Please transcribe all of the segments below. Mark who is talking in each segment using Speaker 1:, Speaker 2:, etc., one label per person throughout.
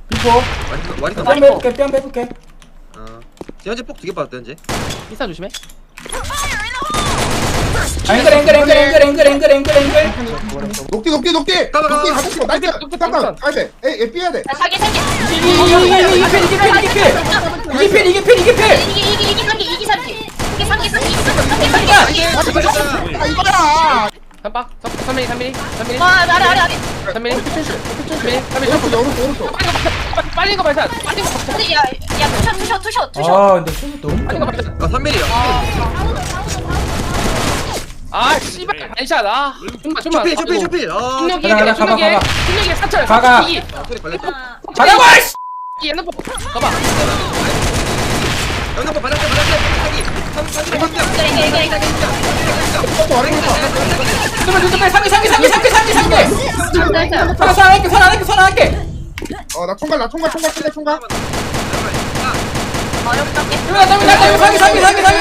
Speaker 1: 비포.
Speaker 2: 와리가
Speaker 1: 뺨 빼볼게, 뺨 빼볼게.
Speaker 2: 현재 폭 2개 받았다 현재.
Speaker 3: 인사 조심해.
Speaker 1: 앵글.
Speaker 4: 녹디 가졌어. 나이스. 잠깐 가야 돼. 에이 삐야 돼.
Speaker 5: 사기 사기.
Speaker 1: 이게 필.
Speaker 4: 아 이거야.
Speaker 3: 3mm.
Speaker 5: 아래.
Speaker 3: 3mm.
Speaker 4: 오른쪽.
Speaker 3: 빨리 거 발사. 빨리 거.
Speaker 5: 근데 야 투샷.
Speaker 1: 아, 근데 슛이 너무.
Speaker 3: 빨리 거 발사.
Speaker 2: 3mm야.
Speaker 3: 아 씨발 반샷. 아 좀만.
Speaker 2: 쇼필.
Speaker 3: 중력이
Speaker 1: 가가.
Speaker 3: 중력이 사철.
Speaker 1: 가가.
Speaker 3: 이
Speaker 2: 소리 발렸다.
Speaker 1: 가라고.
Speaker 3: 얘는 뭐 가봐.
Speaker 2: 연합 받았대. 갑자기. 3mm.
Speaker 1: 상계.
Speaker 4: 나 총갈.
Speaker 5: 어렵다.
Speaker 1: 상계.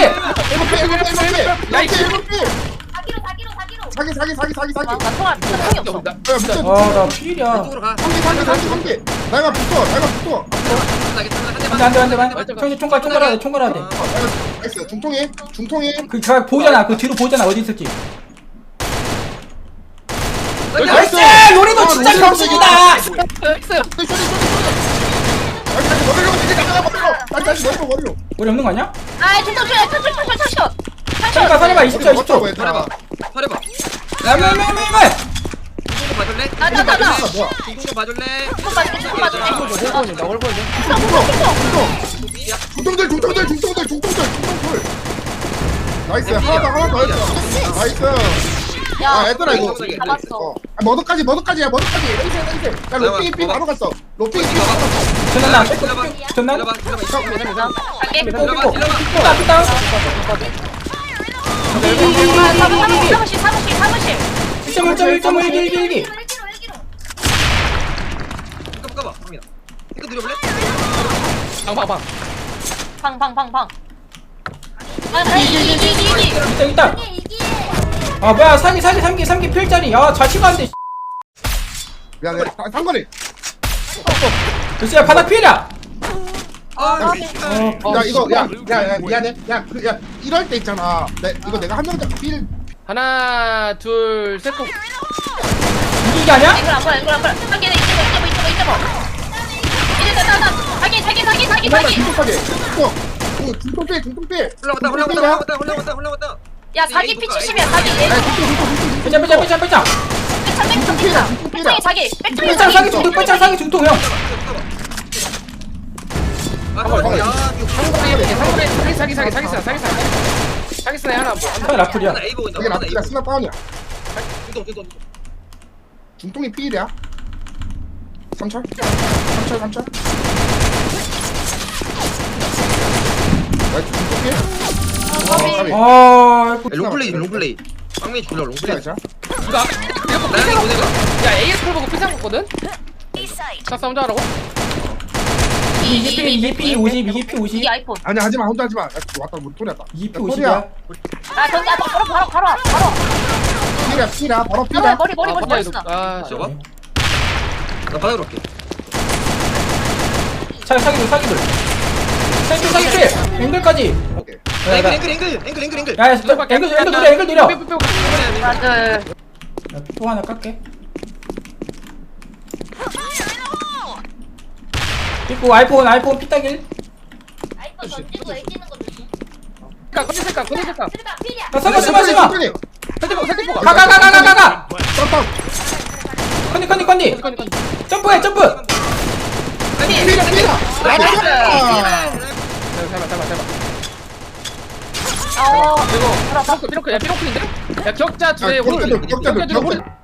Speaker 4: 사기.
Speaker 5: 나 통화이 없어.
Speaker 1: 나 필이야.
Speaker 2: 쪽으로 가.
Speaker 4: 삼기. 나가 붙어.
Speaker 1: 안돼. 총괄해야 돼.
Speaker 4: 나이스. 중통이.
Speaker 1: 그 보잖아. 그 뒤로 보잖아. 어디 있을지.
Speaker 4: 나이스.
Speaker 1: 요리도 진짜 병신이다.
Speaker 4: 다시 머리로.
Speaker 1: 우리 없는 거 아니야?
Speaker 5: 아 투샷.
Speaker 1: 살려봐. 20초.
Speaker 2: 살려봐.
Speaker 1: 라면.
Speaker 2: 중국 봐줄래?
Speaker 5: 나.
Speaker 4: 뭐야?
Speaker 2: 중국 봐줄래?
Speaker 5: 조금 맞을게.
Speaker 3: 나 얼굴 보여줘.
Speaker 4: 중통들. 나이스. 하나 더 했어. 나이스. 야 얘들아 이거
Speaker 5: 잡았어.
Speaker 4: 머더까지야. 레이스. 야 로핑이 삐 바로 갔어. 로핑이 삐 바로 갔어.
Speaker 1: 전난.
Speaker 5: 갈게.
Speaker 1: 삐딱.
Speaker 5: 사무실.
Speaker 1: 1.1.1.
Speaker 2: 까봐. 형이야. 이거 들여볼래?
Speaker 3: 방.
Speaker 5: 이기.
Speaker 1: 있다. 아 뭐야 삼기 필자리. 야 자취가 안돼.
Speaker 4: 미안해. 상거리.
Speaker 1: 글쎄야 바닥 필이야.
Speaker 4: 야 이거 야 미안해. 야 이럴 때 있잖아. 이거 내가 한 명 잡고 필.
Speaker 3: 하나 둘 셋.
Speaker 1: 이게 아니야?
Speaker 5: 이걸 안 보여. 한 개는 이쪽. 이제 사기.
Speaker 4: 중통필.
Speaker 2: 올라왔다.
Speaker 5: 야 사기 피 70이야 사기.
Speaker 1: 빼자.
Speaker 5: 백창이 사기.
Speaker 1: 빼짱 사기 중통 형.
Speaker 3: 사기스네 하나 뭐.
Speaker 1: 형 라플이야.
Speaker 4: 이게 라프야 스나 다운이야. 중통이 필이야. 3철. 나이스 중통필.
Speaker 2: 롱플레이. 빵맨이 졸라 롱플레이.
Speaker 4: 자.
Speaker 3: 이거 야 AS 풀 보고 피상 먹거든. 자 싸움 잘하고.
Speaker 1: 이게 P 50.
Speaker 5: 이 아이폰.
Speaker 4: 아니야 하지마 혼자 하지마. 야, 왔다 못 소리였다.
Speaker 1: 이게 P 50이야.
Speaker 5: 아 저기 바로.
Speaker 4: 필이야 바로 필이야.
Speaker 5: 머리 멋있어.
Speaker 3: 아
Speaker 2: 저거? 나 바닥으로 갈게.
Speaker 1: 사기들. 사기 앵글까지.
Speaker 4: 오케이.
Speaker 2: 앵글.
Speaker 1: 야 앵글 느려.
Speaker 5: 맞아.
Speaker 1: 또 하나 깎게. 그리고 아이폰 피딱일.
Speaker 5: 아이폰 던지는 거 애기는 거 조심.
Speaker 3: 거짓말까.
Speaker 5: 필이야.
Speaker 1: 설마.
Speaker 3: 설득보가.
Speaker 1: 가가.
Speaker 4: 깜빡.
Speaker 1: 컨디. 점프.
Speaker 4: 필이야.
Speaker 3: 삐로크 야 삐로크인데? 야 격자 둘에
Speaker 4: 격자들.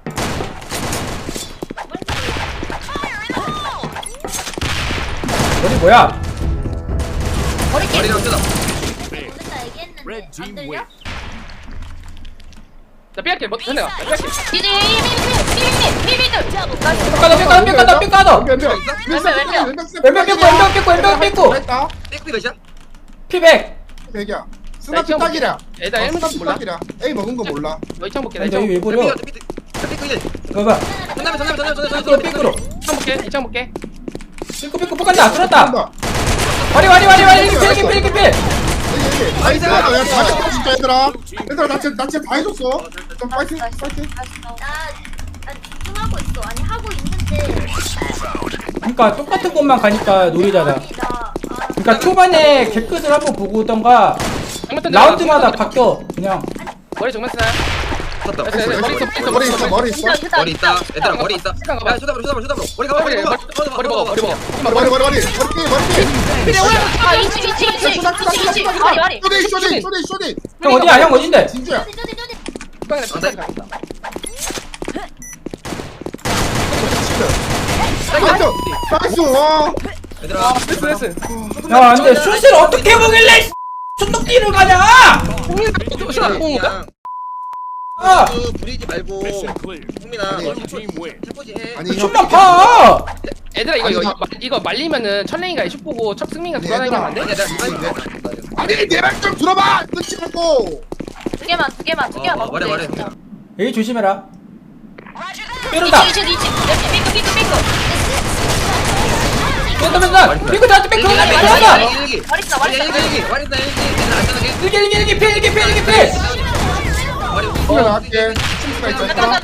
Speaker 1: 어디 뭐야?
Speaker 2: 머리랑 뜨다.
Speaker 5: 보냈다 얘기했는데 안 들려?
Speaker 3: 나 삐할게 뭐 전에 가. 삐할게.
Speaker 1: 삐까다. 왼벽 삐꾸.
Speaker 4: 됐다.
Speaker 2: 백비 몇이야?
Speaker 1: 피백.
Speaker 4: 백이야. 스나 피딱이라.
Speaker 3: 애다 1문 몰라.
Speaker 4: A 먹은 거 몰라.
Speaker 3: 너 이창 볼게. 나
Speaker 1: 근데
Speaker 3: 이창
Speaker 1: 왜 버려?
Speaker 2: 백비 이제.
Speaker 1: 봐봐.
Speaker 2: 전남에.
Speaker 1: 삐꾸로.
Speaker 3: 볼게. 이창 볼게.
Speaker 1: 삐꾸 뽑간다 들었다 와리 필
Speaker 4: 나이스. 야, 다 했어, 진짜 얘들아. 얘들아, 나 진짜 다 해줬어. 좀 파이팅.
Speaker 5: 나 집중하고 있어. 아니 하고 있는데.
Speaker 1: 그러니까 똑같은 곳만 가니까 노리잖아. 그러니까 초반에 개끝을 한번 보고 오던가 라운드마다 바뀌어 그냥.
Speaker 3: 머리 정면 쓰나요?
Speaker 2: 샀다.
Speaker 3: 됐어, 됐어. 머리 있어,
Speaker 4: 머리 있어, 머리 있어.
Speaker 2: 머리 있다. 얘들아 머리 있다. 야 쇼다브로. 머리 가봐.
Speaker 3: 머리 먹어.
Speaker 4: 머리.
Speaker 5: 아 2층. 와리.
Speaker 4: 쇼디.
Speaker 1: 형 어디야? 형 어딘데?
Speaker 4: 진주야. 나이스. 와.
Speaker 2: 얘들아.
Speaker 3: 됐어.
Speaker 1: 야 근데 슛을 어떻게 보길래 촌덕기를 가냐?
Speaker 2: 그냥
Speaker 1: 아
Speaker 2: 부리지 말고 흥민아 너 해보지 해.
Speaker 4: 아니,
Speaker 1: 슛만 봐.
Speaker 3: 얘들아
Speaker 4: 아니,
Speaker 3: 이거 말리면은 철랭이가 슛 보고 첫 승민이가 돌아다니면 안 돼?
Speaker 2: 아니야 내가
Speaker 4: 아니, 내 말 좀 들어봐. 눈치 보고.
Speaker 5: 두 개만
Speaker 2: 말해
Speaker 5: 먹으면
Speaker 2: 흥민아.
Speaker 1: 에이 조심해라. 빼른다.
Speaker 5: 2층. 삐꾸.
Speaker 1: 뺀다. 삐꾸 나한테 삐꾸 나한테.
Speaker 2: 일기.
Speaker 5: 머리 있어.
Speaker 2: 일기. 얘들아 안전하게.
Speaker 1: 일기 필.
Speaker 4: 그래, 나갈게. 친구가 있잖아.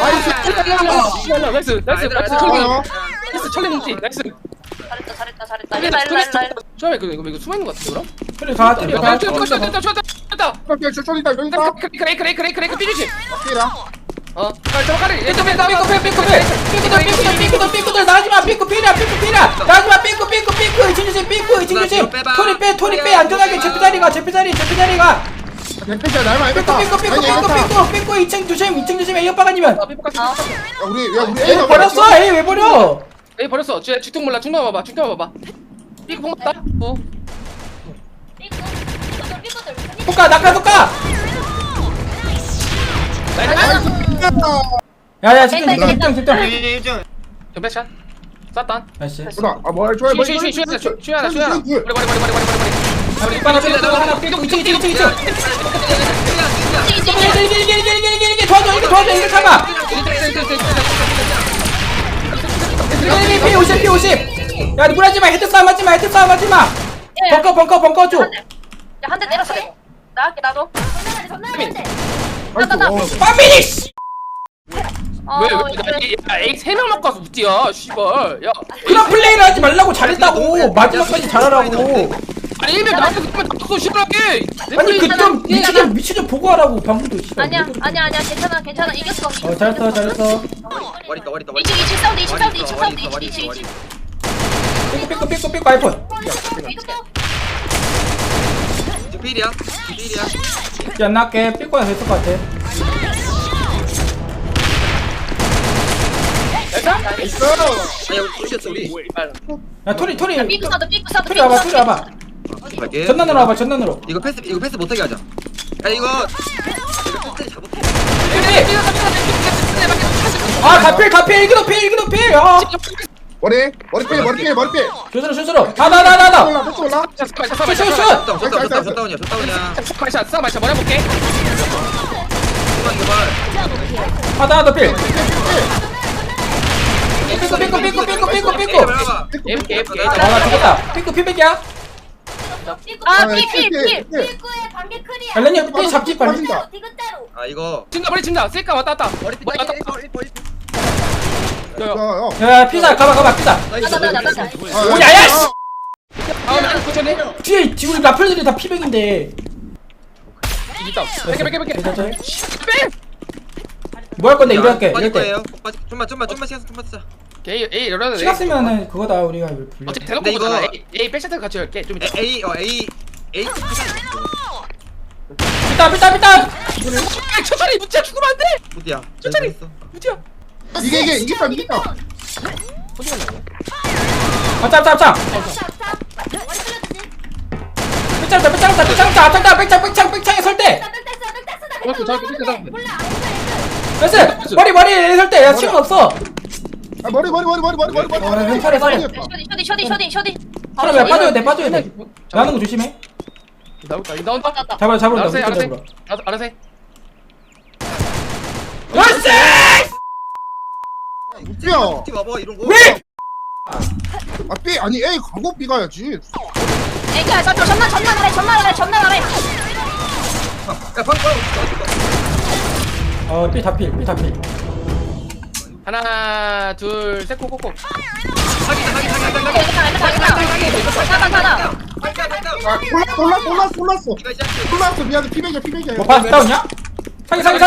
Speaker 3: 나이스 철랭 뭉치 나이스.
Speaker 5: 잘했다. 일라.
Speaker 3: 처음에 이거 숨어있는 거 같은데 그럼?
Speaker 1: 그래 가.
Speaker 3: 됐다.
Speaker 4: 쇼디다, 쇼디다.
Speaker 3: 그래 삐주지.
Speaker 4: 삐라.
Speaker 3: 들어가래
Speaker 1: 삐꾸들 나가지마. 삐꾸 필이야. 나가지마. 삐꾸 이층 조심. 토리 빼 안전하게 제피 자리가.
Speaker 4: 뱀패시야, 날 많이 뺐다.
Speaker 1: 삐꾸 2층 조심. 에이 오빠가 아니면.
Speaker 4: 우리
Speaker 1: 에이 버렸어. 에이 왜 버려?
Speaker 3: 에이 버렸어 주특 몰라 중간 봐봐 삐꾸 뽕 맞다
Speaker 1: 독가 낙하. 야야 집중.
Speaker 3: 전패샷 쐈다
Speaker 1: 나이스.
Speaker 4: 뭘 좋아해, 뭘
Speaker 3: 슈야나 머리
Speaker 1: 하나 삐꾸 2층. 이게 도와줘. 이거 참아. P50. 야 무라지마. 헤드 싸움 하지마. 벙커 줘.
Speaker 5: 한 대 때렸어. 나갈게 나도.
Speaker 1: 빠미니 씨.
Speaker 3: 왜 A 3명 먹고 와서 웃지야 씨발 야
Speaker 1: 그런 플레이를 하지 말라고 잘했다고. 마지막까지 잘하라고.
Speaker 3: 아니 1명 나한테 그러면 나왔어 시원하게
Speaker 1: 아니 그좀 위치 좀 보고 하라고 방금도.
Speaker 5: 아니야 괜찮아 이겼어.
Speaker 1: 잘했어.
Speaker 2: 머리 있다.
Speaker 5: 2층 사운드 2층.
Speaker 1: 삐꾸 아이폰.
Speaker 2: 필이야.
Speaker 1: 안 나게 삐꾸가 됐을 것 같아.
Speaker 2: 아니야 우리 쏘셨어 우리.
Speaker 1: 야 토리
Speaker 5: 삐꾸 사운드.
Speaker 1: 토리 와봐.
Speaker 2: 갈게.
Speaker 1: 전난으로 와봐. 전난으로.
Speaker 2: 이거 패스 못하게 하자. 야 이거 패스 잘못해.
Speaker 1: 가필 일기도 필. 야.
Speaker 4: 머리 필.
Speaker 1: 조스로. 나.
Speaker 4: 올라.
Speaker 2: 셧다운이야.
Speaker 3: 샷 머리 해볼게
Speaker 1: 하나 더 필. 삐꾸. 나 죽었다. 삐꾸 필백이야.
Speaker 5: 필. 삐꾸의 반개 클이야.
Speaker 1: 알렌이 삐 잡지 빨리.
Speaker 4: 빠진다.
Speaker 5: 디귿대로.
Speaker 2: 아 이거
Speaker 3: 머리 친다 셀까 왔다
Speaker 2: 머리
Speaker 3: 왔다
Speaker 1: 야 피자 가봐 피자.
Speaker 5: 나.
Speaker 1: 오야야 씨.
Speaker 3: 다음에 고쳐내
Speaker 1: 뒤에 우리 라플들이 다 피백인데.
Speaker 3: 이기다 뺄게
Speaker 1: 뭐 할 건데 이럴 때.
Speaker 2: 좀만 시간 좀 받자.
Speaker 3: A 열어야 돼
Speaker 1: 시간 쓰면은 그거다 우리가 불려.
Speaker 3: 어차피 대놓고
Speaker 2: 근데
Speaker 3: 보잖아
Speaker 2: 이거-
Speaker 3: A 백샷을 같이 열게 좀 이따
Speaker 2: A
Speaker 1: 삐따.
Speaker 3: 천천히 무지야 죽으면 안돼
Speaker 2: 어디야?
Speaker 3: 천천히. 무지야
Speaker 4: 이게 이겼다.
Speaker 1: 짭. 백창에 설 때. 됐어. 머리 설 때. 야 시간 없어.
Speaker 4: 머리.
Speaker 1: 왼팔에 살려.
Speaker 5: 쇼디.
Speaker 1: 사람 야 빠져야 돼. 나는 거 조심해.
Speaker 3: 나온다
Speaker 1: 잡으러.
Speaker 3: 알아서 해
Speaker 1: 나이스!
Speaker 4: 뛰어.
Speaker 2: 와봐 이런 거.
Speaker 1: 왜?
Speaker 4: 아 B 아니 A 가고 B 가야지.
Speaker 5: 애기야 저 전난 아래
Speaker 2: 야 방금
Speaker 1: 삐 다필 삐 다필.
Speaker 3: 하나 둘셋 코코코.
Speaker 2: 사기다.
Speaker 5: 사다
Speaker 4: 아 골랐어.
Speaker 2: 이거 시작해.
Speaker 4: 골랐어 미안해 피백이야.
Speaker 1: 뭐 파스 다운이야? 사기.
Speaker 4: 사기.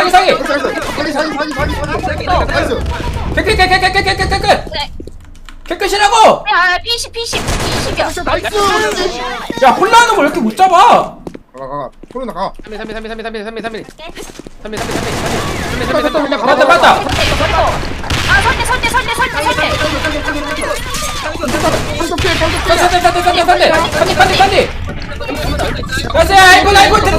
Speaker 4: 나이스.
Speaker 1: 깨끗.
Speaker 5: 그래
Speaker 1: 깨끗이라고.
Speaker 5: 야 P10이야
Speaker 4: 나이스.
Speaker 1: 야 홀라는 걸 왜 이렇게 못 잡아?
Speaker 4: 가. 소리 나가.
Speaker 3: 3mm
Speaker 1: 맞다.
Speaker 5: 아 설대
Speaker 4: 방금 피해.
Speaker 1: 산디. 가자. 아이고 템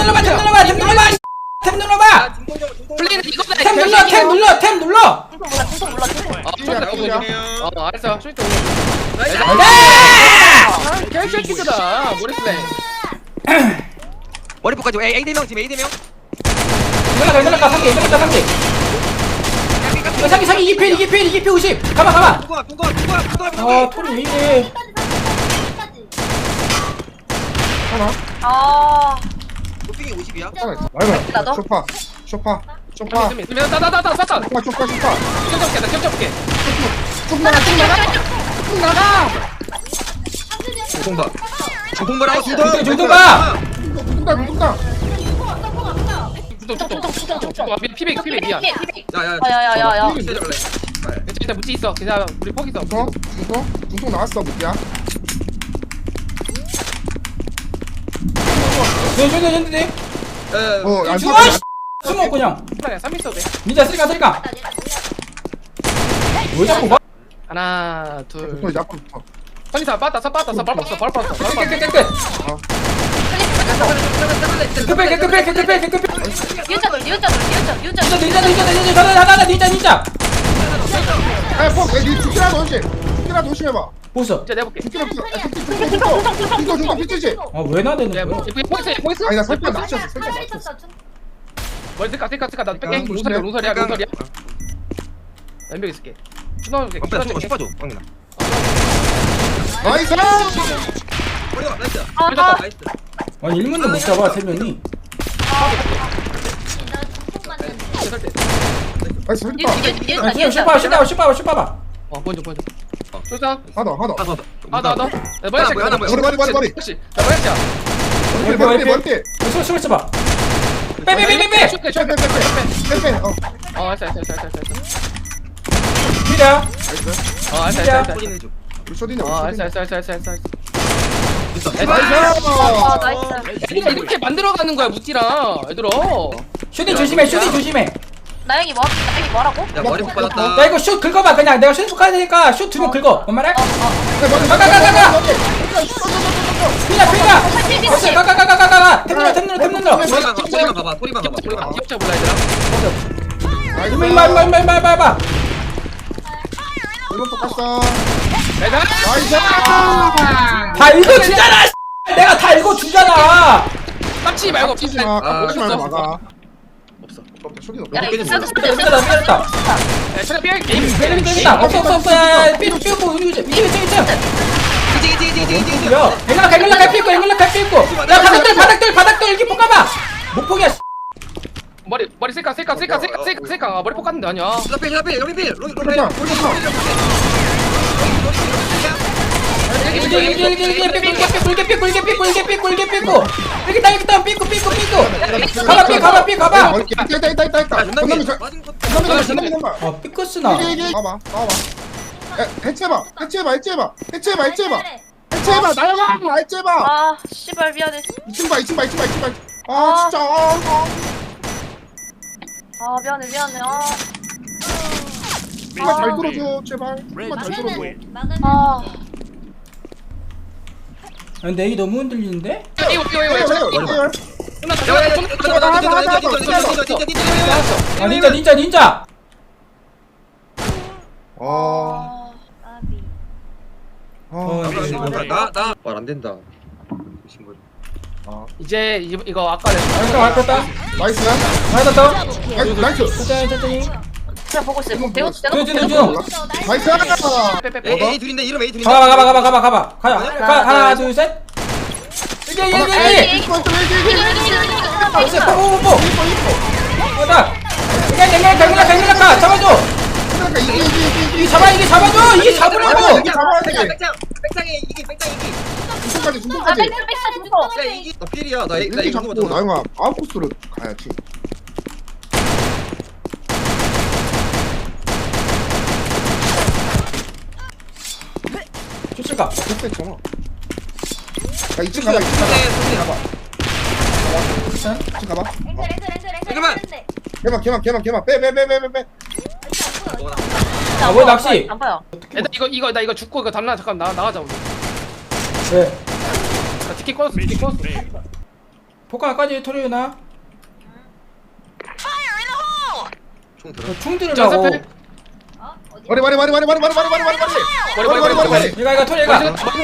Speaker 1: 눌러봐.
Speaker 3: 플레이는 이거다.
Speaker 1: 템 눌러.
Speaker 5: 중통 몰라
Speaker 3: 알았어. 쇼이트
Speaker 2: 나이스.
Speaker 1: 네!
Speaker 3: 개새끼들아. 머리 플레이.
Speaker 2: 머리 poka지. A 대명 지금 A 대명.
Speaker 1: 연락가 상기. 상기 2필 50. 가만.
Speaker 2: 뚱거.
Speaker 1: 톤이 왜 이래?
Speaker 4: 하나.
Speaker 5: 아
Speaker 2: 도핑이 50이야.
Speaker 4: 하나 있어. 말봐.
Speaker 5: 나도?
Speaker 4: 쇼파.
Speaker 3: 나다 쐈다.
Speaker 4: 쇼파.
Speaker 3: 겹쳐볼게.
Speaker 4: 쭉 나가.
Speaker 2: 중통바라고
Speaker 1: 중통 봐.
Speaker 4: 둥둥다.
Speaker 3: 중통. 피백 미안.
Speaker 5: 야야야야야
Speaker 3: 일단 묻지 있어. 그냥 우리 포기 있어.
Speaker 4: 중통 나왔어 무기야.
Speaker 1: 네.
Speaker 4: 안
Speaker 1: 죽어. 숨어 그냥.
Speaker 3: 그냥 3 있어도 돼.
Speaker 1: 닌자 쓸까. 왜 자꾸 가?
Speaker 3: 하나 둘.
Speaker 4: 중통 이제 앞으로 붙어.
Speaker 3: 선이사 빠졌어. 바로 빠졌어.
Speaker 1: 깨끗. 깨끗.
Speaker 5: 니은자돌
Speaker 1: 닌자.
Speaker 4: 니 죽기라도 오지. 죽기라도 조심해봐.
Speaker 1: 보소.
Speaker 3: 이제 내볼게.
Speaker 4: 중통 피치지.
Speaker 1: 왜 나대는
Speaker 3: 야,
Speaker 1: 거야?
Speaker 3: 포기했어.
Speaker 4: 아니 나 살짝 낮췄어.
Speaker 3: 머리 쓸까. 나 뺄게.
Speaker 4: 야,
Speaker 3: 롱설이야. 연벽 있을게. 추나올게.
Speaker 2: 씹어줘. 방금.
Speaker 4: 나이스.
Speaker 2: 머리가 나이스.
Speaker 5: 아
Speaker 2: 나이스.
Speaker 1: 아니 1문도 못 잡아 3명이.
Speaker 4: 나이스.
Speaker 5: 니은자
Speaker 1: 슈퍼.
Speaker 3: 보여줘. 쏘자.
Speaker 4: 하나.
Speaker 3: 나.
Speaker 4: 머리.
Speaker 3: 혹시 나 뭐였지?
Speaker 4: 머리.
Speaker 1: 술 써봐. 빼.
Speaker 3: 알았어.
Speaker 1: 미라.
Speaker 3: 알았어.
Speaker 4: 우리 쇼디냐.
Speaker 3: 알았어.
Speaker 5: 아 나이스
Speaker 3: 이렇게 만들어가는 거야 무찌랑 얘들아.
Speaker 1: 슈팅 조심해.
Speaker 5: 나영이 뭐라고?
Speaker 2: 야 머리 못 받았다.
Speaker 1: 나 이거 슛 긁어봐 그냥. 내가 슛 가야 되니까 슛 2명 긁어. 뭔 말해? 가가. 피나. 가가. 템 눌러.
Speaker 2: 소리만 봐봐.
Speaker 3: 기억자 몰라 얘들아.
Speaker 1: 일로.
Speaker 4: 이번 똑같어.
Speaker 3: 내가
Speaker 4: 나이스.
Speaker 1: 다 읽어주잖아. 내가 다 읽어주잖아.
Speaker 3: 깝치지 말고
Speaker 4: 깝치지 마. 깝치지 말고
Speaker 3: 없어.
Speaker 4: 나가.
Speaker 2: 없어.
Speaker 4: 쇼디
Speaker 5: 야
Speaker 4: 없어.
Speaker 5: 이거 쌀
Speaker 1: 때렸다.
Speaker 3: 차가 삐 게임
Speaker 1: 때린다. 없어. 야, 삐고 이거
Speaker 2: 이지.
Speaker 1: 야, 앵글락 갈 삐고. 야, 바닥돌 이렇게 볶아봐. 못 포기야.
Speaker 3: 머리 쓸까 머리 뽑았는데 아니야.
Speaker 2: 샤필. 여기 필.
Speaker 4: 쇼디야.
Speaker 1: 꿀게 삐고. 이렇게 삐고. 가봐.
Speaker 4: 있다. 건너면
Speaker 1: 삐끗으나.
Speaker 4: 봐봐. 해체해봐. 나영아. 해체해봐.
Speaker 5: 아 씨발 미안해
Speaker 4: 2층 봐. 아 진짜.
Speaker 5: 아 미안해
Speaker 4: 정말 잘 들어줘 제발. 정말 잘 들어줘.
Speaker 5: 아
Speaker 1: 근데 이게 너무 흔들리는데?
Speaker 3: 이거 끝났다.
Speaker 1: 아, 닌자.
Speaker 2: 나말안 된다.
Speaker 3: 이제 이거 아까
Speaker 1: 알았다.
Speaker 4: 나이스.
Speaker 1: 알았다.
Speaker 4: 나이스.
Speaker 1: 천천히.
Speaker 5: 그냥 보고 있어. 대우
Speaker 1: 저,
Speaker 4: 나이스.
Speaker 2: A 둘인데 이름 A 둘인데.
Speaker 1: 가봐. 하나, 둘, 셋. 이게. 나이스, 뽀뽀뽀뽀. 뭐다? 이게 가. 잡아줘. 이게 잡아줘. 이게 잡으라고.
Speaker 2: 백창에 이기.
Speaker 4: 중통까지
Speaker 5: 아,
Speaker 4: 중통까지.
Speaker 5: 백스 죽어.
Speaker 2: 야 이기. 나 필이야. 나
Speaker 4: 이렇게
Speaker 2: 이거
Speaker 4: 잡고
Speaker 2: 누구
Speaker 4: 나영아 아웃코스로 가야지.
Speaker 1: 좋실까?
Speaker 4: 됐잖아. 야 2층 가봐. 2층 가봐.
Speaker 2: 잠깐만.
Speaker 4: 개만. 빼.
Speaker 1: 아, 뭐야, 낚시?
Speaker 5: 안 봐요.
Speaker 3: 애들 나 이거 죽고 이거 담나 잠깐 나가자 우리.
Speaker 1: 왜?
Speaker 3: 나 티켓 꺼졌어.
Speaker 1: 포카까지 토리나?
Speaker 2: 총 들어.
Speaker 1: 총 들으라고.
Speaker 3: 머리.
Speaker 1: 이거 토리가.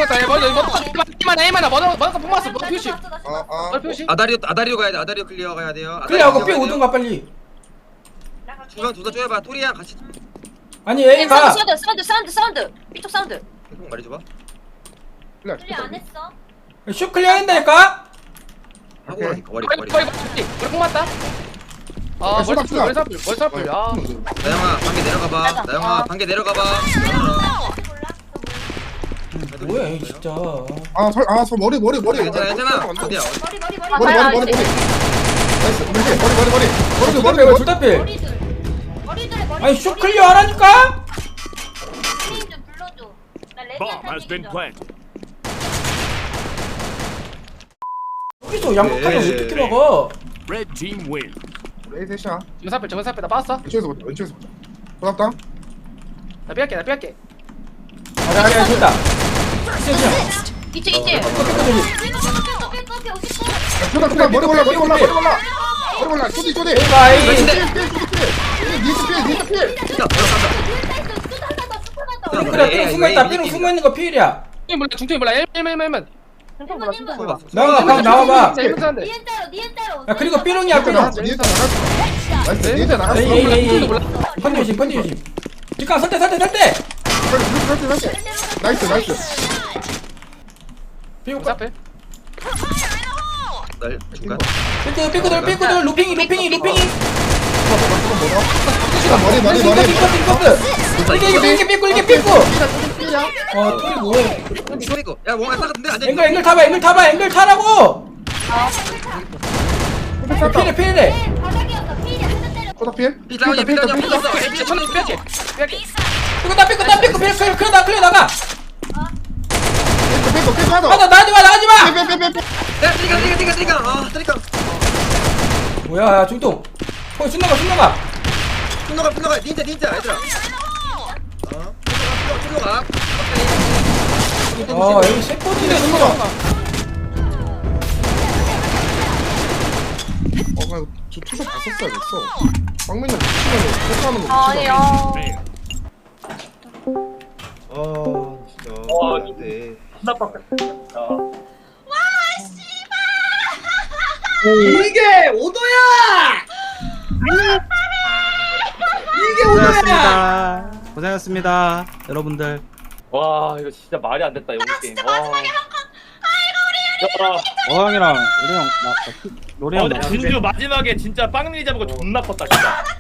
Speaker 3: 표시. 표시.
Speaker 2: 아다리오 가야 돼. 아다리오 클리어 가야 돼요.
Speaker 1: 클리어하고 삐 오든가 빨리.
Speaker 2: 중간 둘다 쪼여봐. 토리야 같이.
Speaker 1: 아니 A가
Speaker 5: 사운드. 삐쪽 사운드.
Speaker 2: 계속 말해줘봐.
Speaker 5: 안 했어.
Speaker 1: 슛 클리어 한다니까?
Speaker 2: 하고 나니까 머리.
Speaker 3: 머리 맞다. 아 머리 사풀. 아.
Speaker 2: 나영아 반개 내려가봐. 나영아 반개 내려가봐.
Speaker 1: 뭐야 이 진짜.
Speaker 4: 저 머리.
Speaker 2: 괜찮아. 어디야?
Speaker 4: 머리. 나이스. 머리.
Speaker 1: 둘다 필. 아니 슛 클리어 하라니까?
Speaker 6: Bomb has been planted.
Speaker 1: 여기서 양극하게 어떻게 먹어?
Speaker 6: Red team win.
Speaker 4: 레이 셋이야.
Speaker 3: 정사풀 나 빠졌어.
Speaker 4: 왼쪽에서 보자. 고맙다.
Speaker 3: 나 삐할게.
Speaker 1: 아니 됐다.
Speaker 5: 있지.
Speaker 4: 초다 머리 올라. 쪼디.
Speaker 1: A가 A.
Speaker 4: 니스 필.
Speaker 2: 진짜 들어간다.
Speaker 1: 삐로 숨어있다. 삐로 숨어있는 거 필이야.
Speaker 3: 중통이 몰라. 1만.
Speaker 1: 나가 방 나와봐.
Speaker 3: 재밌는데.
Speaker 1: 야 그리고 삐롱이야 삐롱.
Speaker 4: 니스 나갔어.
Speaker 1: A. 펀디 조심. 뒷강 설대.
Speaker 4: 나이스.
Speaker 1: 삐고
Speaker 3: 사풀.
Speaker 2: 날 중간.
Speaker 1: 삐꾸들 루핑이.
Speaker 4: 머리.
Speaker 1: 이게 삐꾸. 토리 뭐해?
Speaker 2: 이거. 야 뭔가 싸갔는데 안 돼.
Speaker 1: 앵글 타라고. 필이래.
Speaker 4: 초다 필.
Speaker 2: 비자원이 비자원이 있어.
Speaker 3: 천원 삐할게.
Speaker 1: 삐꾸 클리어 나가.
Speaker 4: 삐 하나.
Speaker 1: 나가지 마.
Speaker 2: 야 뜨리가. 아 뜨리가.
Speaker 1: 뭐야 중통. 순나가.
Speaker 2: 분노가 닌자 얘들아. 분노가.
Speaker 1: 여기 셰퍼지네 순나가.
Speaker 4: 저 투샷 봤었어야겠어. 빵맨이 붙이면 포크하는 거
Speaker 5: 아니요.
Speaker 2: 진짜. 네.
Speaker 7: 이게 오도야!
Speaker 8: 고생하셨습니다 여러분들.
Speaker 7: 와 이거 진짜 말이 안 됐다 여기 게임.
Speaker 8: 어형이랑 우리 형 나 노래 형
Speaker 7: 근데 준주 마지막에 진짜 빵리 잡은 거 존나 컸다 진짜.